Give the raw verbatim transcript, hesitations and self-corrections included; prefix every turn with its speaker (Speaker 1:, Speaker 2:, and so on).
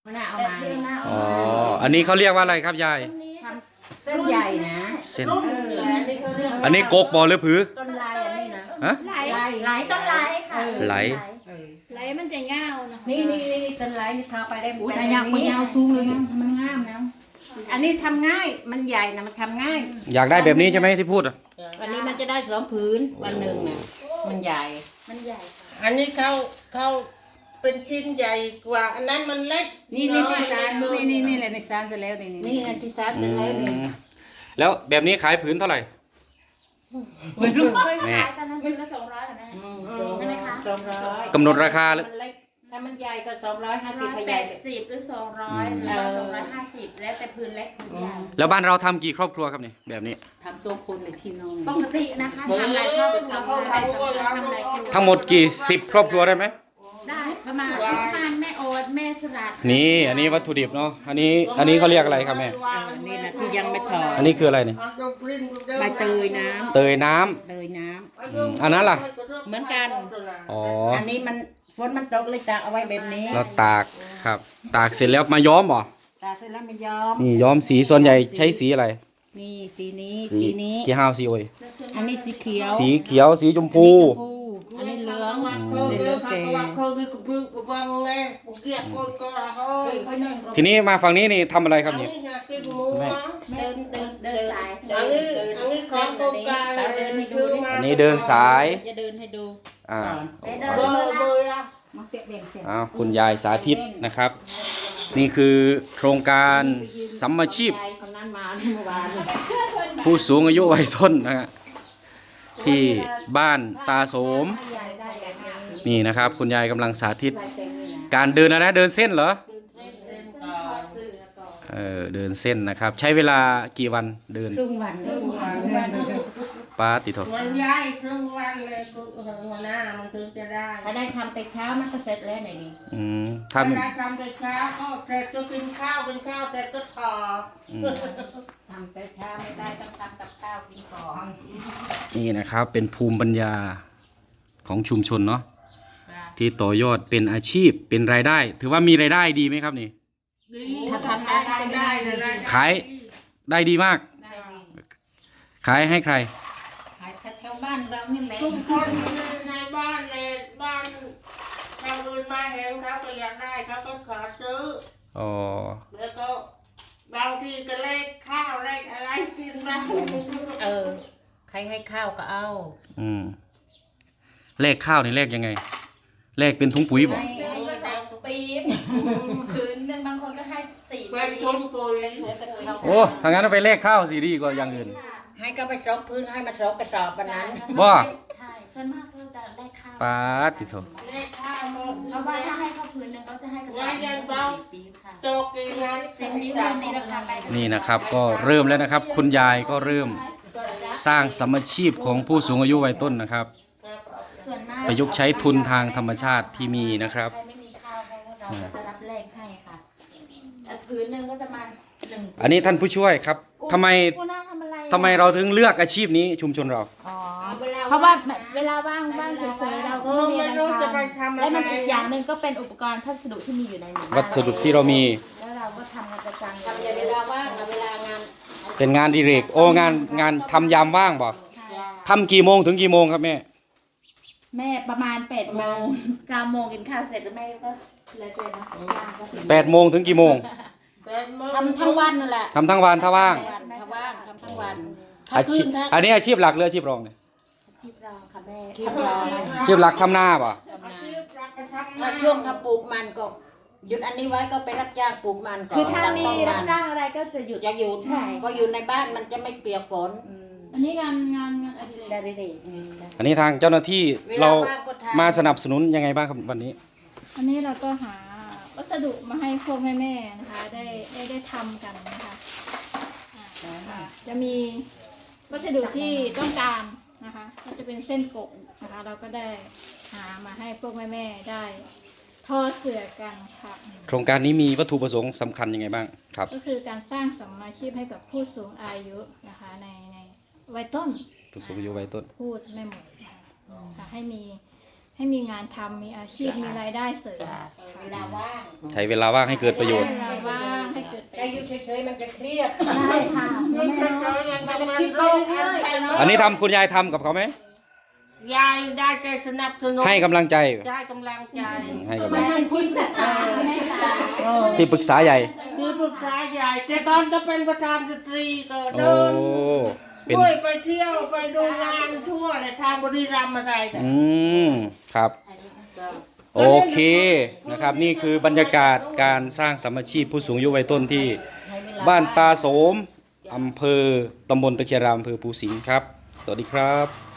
Speaker 1: มันเอามา
Speaker 2: อ๋ออันนี้เขาเรียกว่าอะไรครับยาย
Speaker 1: เส้นใหญ่นะ
Speaker 2: เส้น
Speaker 1: เอออันนี้เขาเรียก
Speaker 2: อันนี้กกบอหรือผือ
Speaker 1: ต้นลายอันนี้นะ
Speaker 2: ฮะ
Speaker 3: ไหลไหลต้นไหลค่ะ
Speaker 2: ไหล
Speaker 3: ไหลมันจะเงาเนาะ
Speaker 1: นี่นี่นี่ต้นลายนี่ทาไปได้หมด
Speaker 3: แต่ยาวมันยาวสูงเลย
Speaker 1: มันงามนะอันนี้ทำง่ายมันใหญ่นะมันทำง่าย
Speaker 2: อยากได้แบบนี้ใช่ไหมที่พูดอ่ะ
Speaker 1: วันนี้มันจะได้สองผืนวันหนึ่งนะมันใหญ่
Speaker 3: มันใหญ่
Speaker 4: อันนี้เขาเขาเป็นชิ้นใหญ่กว่าอันนั้นมันเล็ก
Speaker 1: นี่นี่ที่ซานนี่นี่นี่แหละในซานจะแล้วนี่นี่นี่ที่ซานจะแล้วนี่
Speaker 2: แล้วแบบนี้ขายผืนเท่าไหร่
Speaker 3: ไม่รู้เคยขายตอนนั้นเป็นละสองร้อยเหรอแม่ใช่ไหมคะ
Speaker 1: สองร้อย
Speaker 2: กำหนดราคาเลย
Speaker 1: ถ้ามันใหญ่ก็สองร้อยห้าสิบ
Speaker 3: ร้อยแปดสิบหรือสองร้อยหรือว่าสองร้อยห้าสิบแล้วแต่พื้นเล็กพื้นใหญ่
Speaker 2: แล้วบ้านเราทำกี่ครอบครัวครับนี่แบบนี้
Speaker 1: ทำทรงคุณในที่นอน
Speaker 3: ปกตินะคะทำหลายครอบครัวทำหลายครอบครัวทำหลายครอบครัว
Speaker 2: ทั้งหมดกี่สิบครอบครัวได้ไหม
Speaker 3: ได้ประมาณประมาณแม่โอ๊ตแม่สลัด
Speaker 2: นี่อันนี้วัตถุดิบเนาะอันนี้อันนี้เขาเรียกอะไรครับแม่
Speaker 1: นี่นะที่ยังไม่ถอด
Speaker 2: อันนี้คืออะไรนี่
Speaker 1: ใบเตยน้ำ
Speaker 2: เตยน้ำ
Speaker 1: เตยน้
Speaker 2: ำอันนั้นล่ะ
Speaker 1: เหมือนกัน
Speaker 2: อ๋อ
Speaker 1: อันนี้มันฝนมันตกเลยตากเอาไว้แบบนี้
Speaker 2: เราตากครับตากเสร็จแล้วมาย้อมเหรอ
Speaker 1: ตากเสร็จแล้วมันย้อม
Speaker 2: นี่ย้อมสีส่วนใหญ่ใช้สีอะไร
Speaker 1: นี่สีนี้สีนี้
Speaker 2: ที่ห้าวสีโอย
Speaker 1: อันนี้สีเขียว
Speaker 2: สีเขียวสีชมพู
Speaker 1: อันนี้เหลือง
Speaker 4: เหลืองเก๋
Speaker 2: ทีนี้มาฝั่งนี้นี่ทำอะไรครับนี่
Speaker 1: เดินเดินเดินสาย
Speaker 4: อันนี้อันนี้ของโครงการ
Speaker 1: เดินให้ดู
Speaker 2: อันนี้เดินสาย
Speaker 1: จะเดินให้ดู
Speaker 2: อ่า
Speaker 4: เบอร์เบอร์อะ
Speaker 2: อ้าวคุณยายสาธิตนะครับ นี่คือโครงการสัมมาชีพผู้สูงอายุวัยต้นนะฮะที่บ้านตาโสมนี่นะครับคุณยายกำลังสาธิตการเดินอะไรนะเดินเส้นเหรอเออเดินเส้นนะครับ ใช้เวลากี่วันเดิน
Speaker 1: ครึ่งวันครึ่งวัน
Speaker 2: ป้าติโถ
Speaker 4: มันย้ายครึ่งวันเลยหัวหน้ามันถึงจะได้
Speaker 1: ถ้าได้ทำแต่เช้ามันก็เสร็จแล้วไหนดี
Speaker 2: อืม
Speaker 4: ทำได้ทำแต่เช้าก็เสร็จก็กินข้าวกินข้าวเสร็จก็ถอด
Speaker 1: ทำแต่เช้าไม่ได้ต้องทำกับข้าวกินก่อน
Speaker 2: นี่นะครับเป็นภูมิปัญญาของชุมชนเนาะที่ต่อยอดเป็นอาชีพเป็นรายได้ ถือว่ามีรายได้ดีไหมครับนี่
Speaker 4: ถ้าทำได้ได้เลย
Speaker 2: ขายได้ดีมากขายให้ใคร
Speaker 1: ขายแถวบ้านเรานี่แหละ
Speaker 4: ทุกคนในบ้านเลยบ้านชาวอื่นมาเห็นเขาก็อยากได้เขาก็ขอซื้อ
Speaker 2: อ๋อ
Speaker 4: แล้วก็บางทีก็เลขข้าวเลขอะไรกินบ้าง
Speaker 1: เออใครให้ข้าวก็เอา
Speaker 2: อืมเลขข้าวนี่เลขยังไงเลขเป็นถุงปุ๋ยบ่
Speaker 3: ก็ใส่ปี๊บคืนนึงบางคนก็ให้สี่
Speaker 4: เป็นถุงปุ๋ย
Speaker 2: โอ้ถ้างั้นเอาไปเลขข้าวสิดีกว่าอย่างอื่น
Speaker 1: ให้ก็ไปซอกพื้นให้มาซอกกระสอบวันนั้น
Speaker 2: บ่
Speaker 3: ใช่ส่วนมากเราจะได้ข้าว
Speaker 2: ป้าติโถ
Speaker 4: เลขข้าว
Speaker 3: เพราะว่าถ้าให้ข้าวพื้นนึงเขาจะให้กระสอบปี๊บค่ะ
Speaker 4: โจกเองนะ
Speaker 3: สิ่งนี้วันนี้ราคาไป
Speaker 2: นี่นะครับก็เริ่มแล้วนะครับคุณยายก็เริ่มสร้างสมชีพของผู้สูงอายุวัยต้นนะครับประยุกต์ใช้ทุนทางธรรมชาติที่มีนะครับ
Speaker 3: ไม่มีข้าวให้เราจะรับแลกให้ค่ะพื้นนึงก็จะมาหนึ่ง
Speaker 2: อันนี้ท่านผู้ช่วยครับทำไมทำไมเราถึงเลือกอาชีพนี้ชุมชนเรา
Speaker 3: อ๋อเพราะว่าเวลาว่างว่างเฉยๆเราก็ไม่รู้จะไปทำอะไรและมันอีกอย่างหนึ่งก็เป็นอุปกรณ์พัสดุที่มีอยู่ในหมู่บ้าน
Speaker 2: วัสดุที่เรามี
Speaker 3: แล้วเราก็ทำกันประจำ
Speaker 1: ทำเวลาว่างเวลางาน
Speaker 2: เป็นงานดิเรกโอ้งานงานทำยามว่างบ่ทำกี่โมงถึงกี่โมงครับแม่
Speaker 3: แม่ประมาณแปดโมงเก้าโมงกินข้าวเสร็จแล้วแม่ก็เลยเกินนะ
Speaker 2: แปดโมงถึงกี่โมง
Speaker 1: ทำทั้งวันนั่นแหละ
Speaker 2: ทำทั้งวันถ้าว่าง
Speaker 1: ถ้าว่างทำทั้งวัน
Speaker 2: อาชีพอันนี้อาชีพหลักหรืออาชีพรองเนี่ย
Speaker 3: อาชีพรองค่ะแม่
Speaker 1: อาชีพรอง
Speaker 2: อาชีพหลักทำหน้าป่ะ
Speaker 1: ถ้าช่วงเขาปลูกมันก็หยุดอันนี้ไว้ก็ไปรับจ้างปลูกมันก่อน
Speaker 3: คือถ้ามีรับจ้างอะไรก็จะหยุด
Speaker 1: จะหยุดใช่เพราะอยู่ในบ้านมันจะไม่เปียกฝน
Speaker 3: อันนี้งานงานงานอดิเรก
Speaker 2: อันนี้ทางเจ้าหน้าที่เรามาสนับสนุนยังไงบ้างครับวันนี้
Speaker 3: อันนี้เราก็หาวัสดุมาให้พวกแม่ๆนะคะได้ได้ได้ทำกันนะคะจะมีวัสดุที่ต้องการนะคะก็จะเป็นเส้นกบนะคะเราก็ได้หามาให้พวกแม่ๆได้ทอเสื่อกันค่ะ
Speaker 2: โครงการนี้มีวัตถุประสงค์สำคัญยังไงบ้างครับ
Speaker 3: ก็คือการสร้างสัมมาชีพให้กับผู้สูงอายุนะคะในในวัยต้น
Speaker 2: ผู้สูงอายุวัยต้น
Speaker 3: พูดไม่หมดค่ะให้มีใให้มีงานทำมีอาชีพมีรายได้เสริม
Speaker 4: จ้ะ
Speaker 1: เวลาว่าง
Speaker 2: ใช้เวลาว่างให้เกิดประโยชน์
Speaker 3: เวลาว่างให้เกิดประ
Speaker 1: ถ้า
Speaker 3: โย
Speaker 1: อยู่
Speaker 3: ชน์
Speaker 1: เฉยๆมันจะเครียด
Speaker 3: ได้ค่ะ
Speaker 4: นี่
Speaker 3: แม่
Speaker 4: เฉยๆยังกำลังโลกอัลไซเมอร์
Speaker 2: อันนี้ทำคุณยายทำกับเขาไหม
Speaker 4: ยายได้ใจสนับสนุน
Speaker 2: ให้กำลังใจ
Speaker 4: ได้กำลังใจ
Speaker 2: ให้กำลังใจ
Speaker 3: คุยปรึกษาแม่ค่ะ
Speaker 2: ที่ปรึกษาใหญ่
Speaker 4: คือปรึกษาใหญ่แต่ตอนก็เป็นประธานสตรีก็
Speaker 2: โอ้
Speaker 4: เดิน
Speaker 2: เป็น
Speaker 4: ด้วยไปเที่ยวไปดูงานทั่วเลยทางบุรีรัมย์อะไรแต่
Speaker 2: อืมครับ โอเคนะครับ นี่คือบรรยากาศการสร้างสามัคคีผู้สูงอายุวัยต้นที่บ้านตาโสมอำเภอตำบลตะเคียนรามอำเภอภูสิงห์ครับ สวัสดีครับ